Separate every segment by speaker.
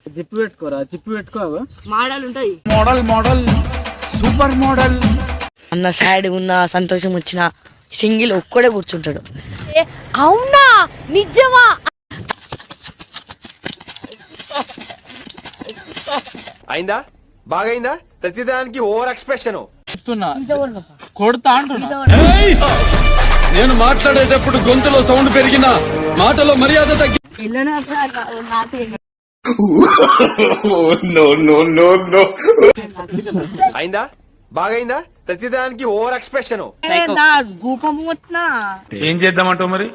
Speaker 1: Zip పెట్టుకోరా, zip పెట్టుకో.
Speaker 2: Model ఉంటాయి,
Speaker 1: మోడల్ సూపర్ మోడల్.
Speaker 2: అన్న సాడ్ ఉన్న సంతోషం వచ్చిన సింగిల్ ఒక్కడే కూర్చుంటాడు. అవునా నిజమా?
Speaker 3: అయిందా? బాగైందా? ప్రతిదానికి ఓవర్ ఎక్స్ప్రెషన్
Speaker 1: కొడతా అంటున్నా.
Speaker 4: నేను మాట్లాడేటప్పుడు గొంతులో సౌండ్ పెరిగినా మాటలో మర్యాద తగ్గి.
Speaker 3: అయిందా? బాగైందా? ప్రతిదానికి ఓవర్ ఎక్స్ప్రెషన్.
Speaker 4: ఏం చేద్దామంటావు మరి?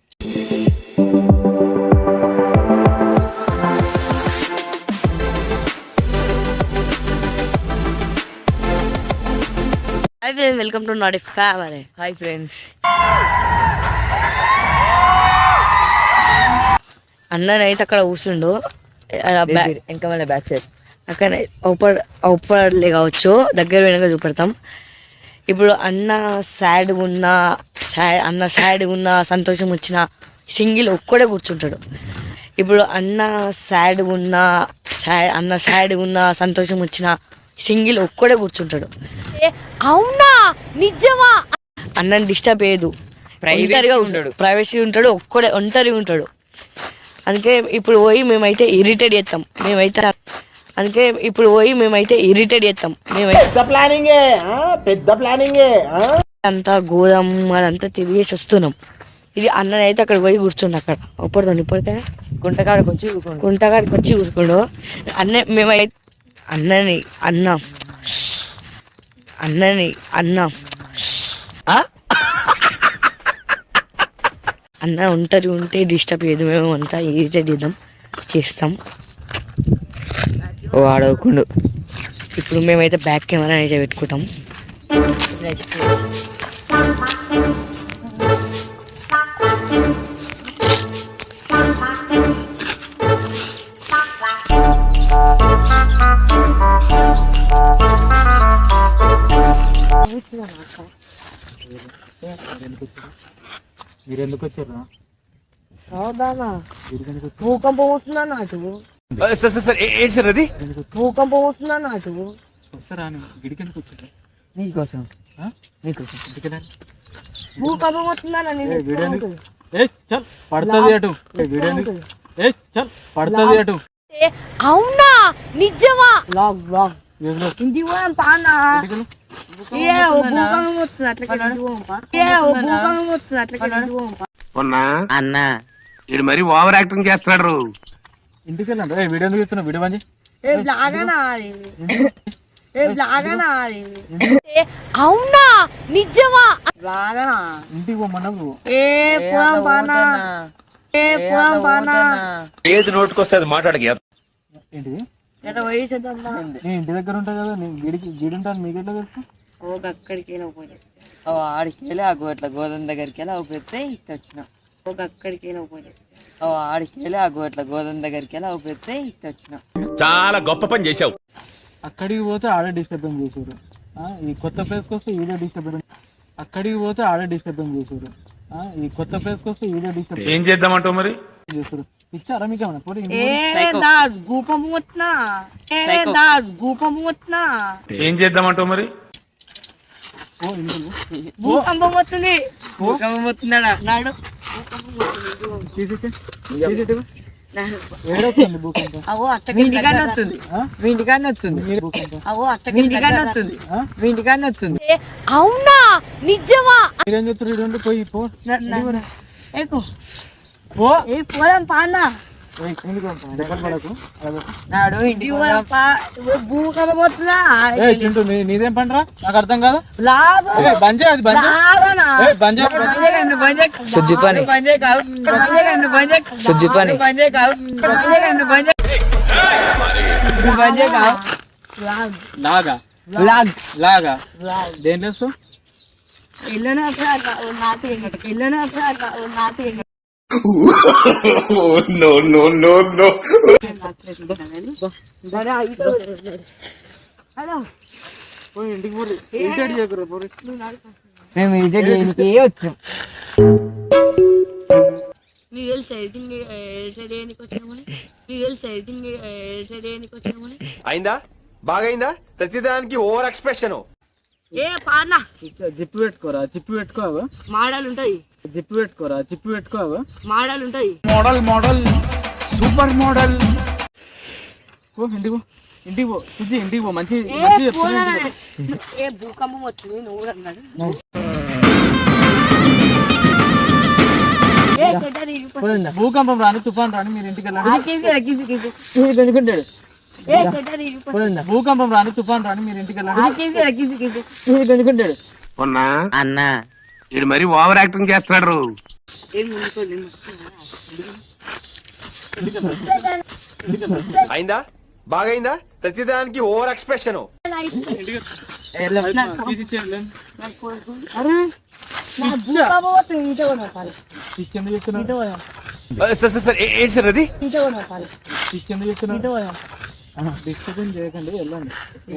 Speaker 2: Hi friends, welcome to not family. Hi friends, అన్ననైతే అక్కడ కూర్చుండు ఇంకా మన బ్యాక్ సైడ్ అక్కడ ఔపర్లే కావచ్చు, దగ్గర వెనక చూపెడతాం. ఇప్పుడు అన్న సాడ్ ఉన్న సంతోషం వచ్చిన సింగిల్ ఒక్కడే కూర్చుంటాడు. ఇప్పుడు అన్న సాడ్ ఉన్న సంతోషం వచ్చిన సింగిల్ ఒక్కడే కూర్చుంటాడు. అవునా నిజమా? అన్నని డిస్టర్బ్ చేయదు, ప్రైవసీ ఉంటాడు, ఒంటరిగా ఉంటాడు. అందుకే ఇప్పుడు పోయి మేమైతే ఇరిటేట్ చేస్తాం.
Speaker 1: పెద్ద ప్లానింగ్
Speaker 2: అంతా గోదాం అదంతా తిరిగేసి వస్తున్నాం. ఇది అన్ననైతే అక్కడ పోయి కూర్చుండు. అక్కడ ఒప్పడుతుంది ఇప్పటికే గుంటకాడికి వచ్చి కూర్చుండు. అన్న ఒంటరి ఉంటే డిస్టర్బ్ చేయదు, మేము అంతా ఇరిటేట్ చేస్తాం. వాడవకుండా ఇప్పుడు మేమైతే బ్యాక్ కెమెరా అయితే పెట్టుకుంటాం.
Speaker 1: మీరు ఎందుకు వచ్చారు?
Speaker 2: భూకంపం వస్తుందా నాకు? భూకంపం వస్తుందా నాకు?
Speaker 1: వస్తారా? గిడికి ఎందుకు వచ్చారు?
Speaker 2: నీకోసం భూకంపం వస్తుందా?
Speaker 1: పడుతుంది అటు పడుతుంది అటు.
Speaker 2: అవునా నిజమా? ఇంటికి పోయాం పానా.
Speaker 4: అన్న ఇది మరి ఓవర్ యాక్టింగ్ చేస్తున్నాడు.
Speaker 1: ఇంటికి వెళ్ళండి. వీడియో చూస్తున్నావు, వీడియో మంచి.
Speaker 2: అవునా నిజమా?
Speaker 1: ఇంటికి పోమన్నావు.
Speaker 3: ఏది నోటుకొస్తే అది మాట్లాడక.
Speaker 1: ఏంటిది? ఇంటి దగ్గర ఉంటాయి కదా, గిడి ఉంటాను. మీకు ఎట్లా తెలుసు?
Speaker 2: అక్కడికి ఆడికి వెళ్ళి అట్లా గోధుమ దగ్గరికి వెళ్ళి పెడితే ఇట్లా వచ్చిన. అక్కడికి ఆడికి వెళ్ళి అట్లా గోధుమ దగ్గరికి వెళ్ళి పెడితే ఇట్లా వచ్చిన.
Speaker 3: చాలా గొప్ప పని చేశావు.
Speaker 1: అక్కడికి పోతే ఆడే డిస్టర్బెన్స్ చేశారు. ఈ కొత్త ప్లేస్కి వస్తే ఈడే డిస్టర్బెన్స్. అక్కడికి పోతే ఆడే డిస్టర్బెన్స్ చేశారు. ఈ కొత్త ప్లేస్కి వస్తే ఈడే డిస్టర్బెన్స్.
Speaker 4: ఏం చేద్దామంటావు మరి?
Speaker 1: చేశారు. ఇచ్చారా మీకు ఏమన్నా?
Speaker 4: ఏం చేద్దామంటావు మరి?
Speaker 2: భూకంపం వస్తుంది. నాడు అవునా నిజమా? పోదాం పానా.
Speaker 1: నీదేం పండ్రా? నాకు అర్థం కాదు. లాగా దేంట్లో
Speaker 2: మేము ఇరిటేట్ చేయడానికి వచ్చాం. మీకు తెలుసు ఎడిటింగ్ చేయడానికి వచ్చినామని మీకు తెలుసు ఎడిటింగ్ చేయడానికి వచ్చినామని
Speaker 3: అయిందా బాగైందా ప్రతిదానికి ఓవర్ ఎక్స్ప్రెషన్.
Speaker 2: ఏ పానా
Speaker 1: జిప్పు పెట్టుకోరా, జిప్పు పెట్టుకోవు,
Speaker 2: మాడలు ఉంటాయి.
Speaker 1: జిప్పు పెట్టుకోరా, జిప్పు పెట్టుకోవు,
Speaker 2: మాడలు ఉంటాయి.
Speaker 3: Model super model.
Speaker 1: ఇంటికి పో, ఇంటికి పో సుజి, ఇంటికి పో. మంచి
Speaker 2: ఏ భూకంపం వచ్చింది నువ్వు కూడా అన్నాడు.
Speaker 1: భూకంపం రాని, తుఫాన్ రాని, మీరు ఇంటికి వెళ్ళండి. భూకంపం రాని, తుఫాన్ రాని, మీరు ఇంటికి వెళ్ళండి.
Speaker 3: అన్న ఇది మరి ఓవర్ యాక్టింగ్ చేస్తున్నాడు. అయిందా బాగైందా ప్రతిదానికి ఓవర్ ఎక్స్ప్రెషన్. సార్ ఏంటి సార్ అది?
Speaker 1: డిస్టర్బెన్స్ చేయకండి, వెళ్ళండి.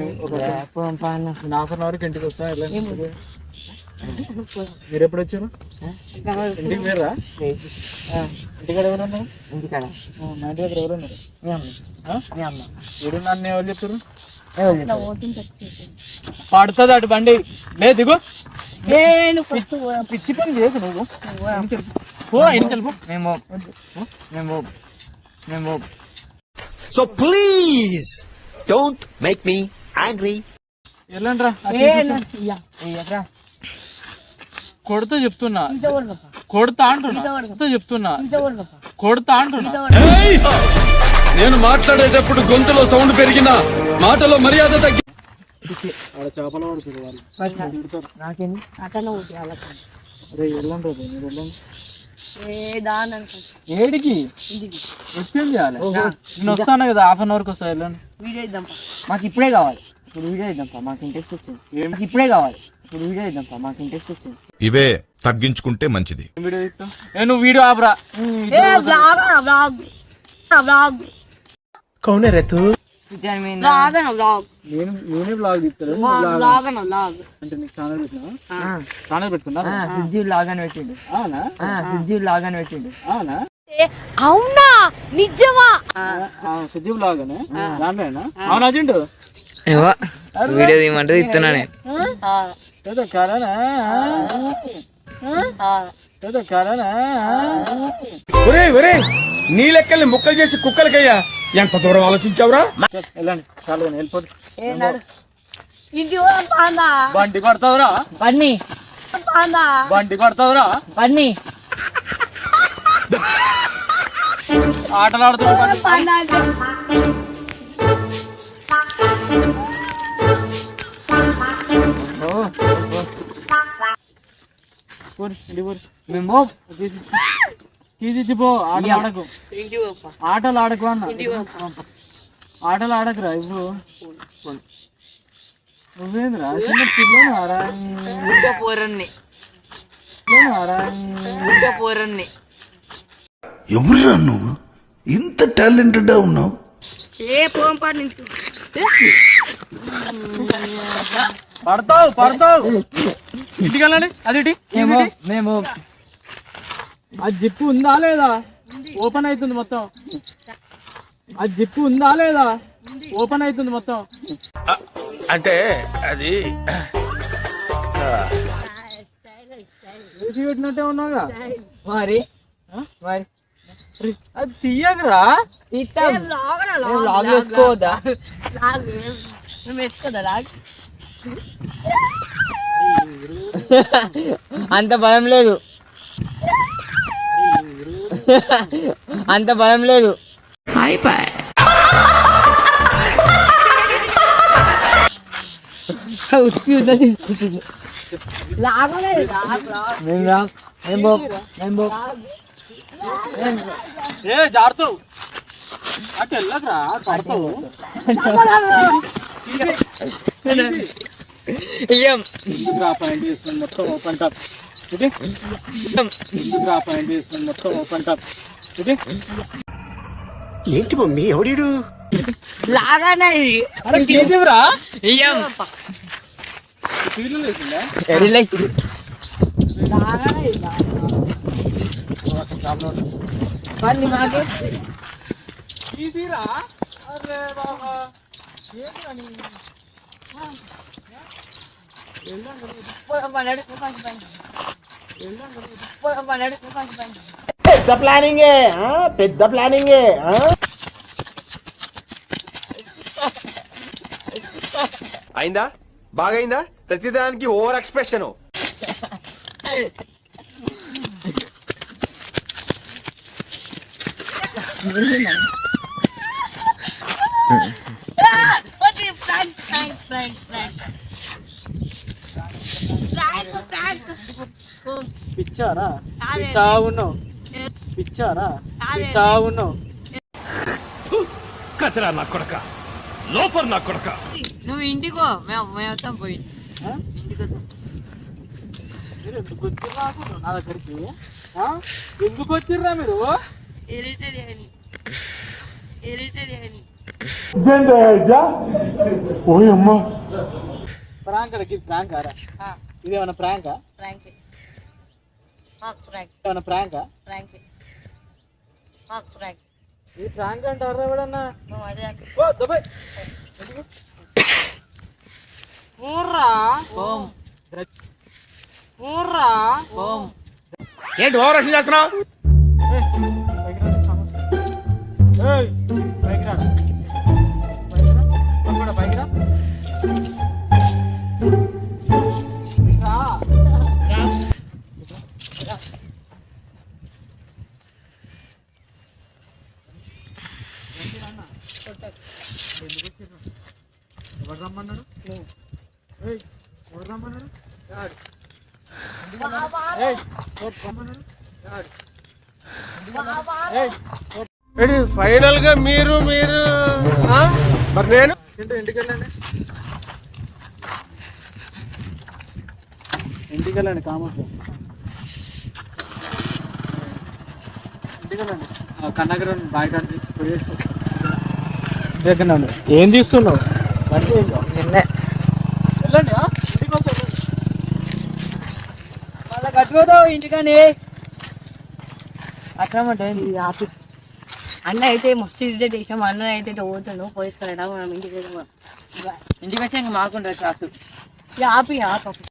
Speaker 1: హాఫ్ అన్ అవర్కి ఇంటికి వస్తా, వెళ్ళండి. మీరు ఎప్పుడు వచ్చారు? ఇంటికి మీరా? ఇంటికాడ ఎవరున్నారు?
Speaker 2: ఇంటికాడ
Speaker 1: మా ఇంటి దగ్గర ఎవరున్నారు? వీడు నన్ను ఎవరు చెప్తారు? పడుతుంది అటు బండి. లేదు దిగు, పిచ్చి పని చేయకు నువ్వు. పో ఇంటికి పో. మేము
Speaker 3: so please don't make me angry.
Speaker 1: వెళ్ళండి రా. కొడుతూ చెప్తున్నా, కొడుతా అంటున్నా, చెప్తున్నా, కొడుతా అంటున్నా.
Speaker 4: నేను మాట్లాడేటప్పుడు గొంతులో సౌండ్ పెరిగినా మాటలో మర్యాద తగ్గి
Speaker 1: చేపలు పడుతుంది వాళ్ళు. అరే వెళ్ళండి రా, మీరు వెళ్ళండి. ఏడికి వచ్చేది చేయాలి? నేను వస్తాను కదా, హాఫ్ అన్ అవర్కి వస్తా, వెళ్ళండి.
Speaker 2: వీడియో ఇద్దాం, మాకు ఇప్పుడే కావాలి. ఇప్పుడు వీడియో ఇద్దాం, మాకు ఇంట్రెస్ట్ వచ్చింది. మాకు ఇప్పుడే కావాలి. ఇప్పుడు వీడియో ఇద్దాం, మాకు ఇంట్రెస్ట్ వచ్చింది.
Speaker 5: ఇవే తగ్గించుకుంటే మంచిది.
Speaker 1: వీడియో ఇస్తా. నువ్వు వీడియో ఆపరా. నేనే బ్లాగ్ తీస్తాను. అంటే నీకు ఛానల్ పెట్టినా? ఛానల్ పెట్టుకున్నా?
Speaker 2: సుజ్జీ బ్లాగ్ అని పెట్టిండు.
Speaker 1: అవునా?
Speaker 2: సుజ్జీ బ్లాగ్ అని పెట్టిండు.
Speaker 1: అవునా?
Speaker 2: అవునా నిజమా?
Speaker 1: సుజ్జీ బ్లాగ్ అని దాంట్లోనా? అవునా అర్జుంటు?
Speaker 2: వీడియో తీయమంటే ఇస్తున్నా నేను.
Speaker 1: ఏదో కారణా
Speaker 3: నీ లెక్కల్ని ముక్కలు చేసి కుక్కలకయ్యా ఎంత దూరం ఆలోచించావురా?
Speaker 1: వెళ్ళండి, చాలు కానీ వెళ్ళిపోదు.
Speaker 2: బండి
Speaker 1: కొడతావురా,
Speaker 2: బండి
Speaker 1: కొడతావురా, ఆటలు ఆడుతున్నావు. పో, ఆటలు ఆడకు, ఆటలు ఆడకు అన్న, ఆటలు ఆడకురా. ఇప్పుడు నువ్వేంద్రా చిన్న పిల్లనారా?
Speaker 6: ఎవరురా నువ్వు ఇంత టాలెంటెడ్ ఉన్నావు?
Speaker 1: పడతావు. ఇంటికి వెళ్ళండి. అది మేము అది జిప్పు ఉందా లేదా? ఓపెన్ అవుతుంది మొత్తం. అది జిప్పు ఉందా లేదా? ఓపెన్ అవుతుంది మొత్తం.
Speaker 3: అంటే అది
Speaker 1: వేసి పెట్టినట్టే ఉన్నావుగా
Speaker 2: మరి.
Speaker 1: అది తీయకరా.
Speaker 2: వేసుకోవద్దా? అంత భయం లేదు, అంత భయం లేదు.
Speaker 1: జారుతావు అటు వెళ్ళకరా, పడతావు. పాయింట్ చేసుకుని మొత్తం ఓపెన్ టాప్. పాయింట్ చేసుకుని మొత్తం ఓపెన్ టాప్.
Speaker 3: ఏంటి మమ్మీ ఎవడీడు?
Speaker 2: లాగానే మరి మాకే
Speaker 1: ఈజీరా అరే బాబా ఏంటి అని
Speaker 7: పెద్ద ప్లానింగే పెద్ద ప్లానింగే.
Speaker 8: అయిందా బాగైందా ప్రతిదానికి ఓవర్ ఎక్స్ప్రెషన్.
Speaker 1: పిచ్చారా తింటా ఉన్నావు పిచ్చారా తింటా ఉన్నావు
Speaker 4: కచరా నా కొడక లోఫర్ నా కొడక.
Speaker 2: నువ్వు ఇంటికో మేము మొత్తం పోయి
Speaker 1: మీరు ఎందుకు వచ్చిర్రా నా దగ్గరికి ఎందుకు వచ్చిర్రా మీరు ప్రాంక్ ఇది ప్రాంక్ ఆరా ఇదేమన్నా ప్రాంకా ఏమన్నా ప్రాంకా ఈ ప్రాంక్ అంటారా ఎవడన్నా
Speaker 8: ఏంటి ఓవర్ యాక్షన్ చేస్తున్నావు?
Speaker 1: ఎవరు రమ్మన్నాడు ఎవరు రమ్మన్నాడు
Speaker 8: ఫైనల్ గా మీరు మరి నేను
Speaker 1: ఇంటికి వెళ్ళండి ఇంటికి వెళ్ళండి కామర్స్ ఇంటికి వెళ్ళండి కన్నగర బాయ్ కాడి దగ్గర ఏం తీస్తున్నావు
Speaker 2: నిన్నే
Speaker 1: వెళ్ళండి ఇంటికి వస్తాను
Speaker 2: మళ్ళీ కట్టుకోదావు ఇంటికని అట్లా అన్న అయితే మస్తు ఇరిటేట్ చేసాం. అన్న అయితే పోతాను పోయిస్తాడా మనం ఇంటికి వచ్చాక మాకుంటారు క్లాసు ఆపి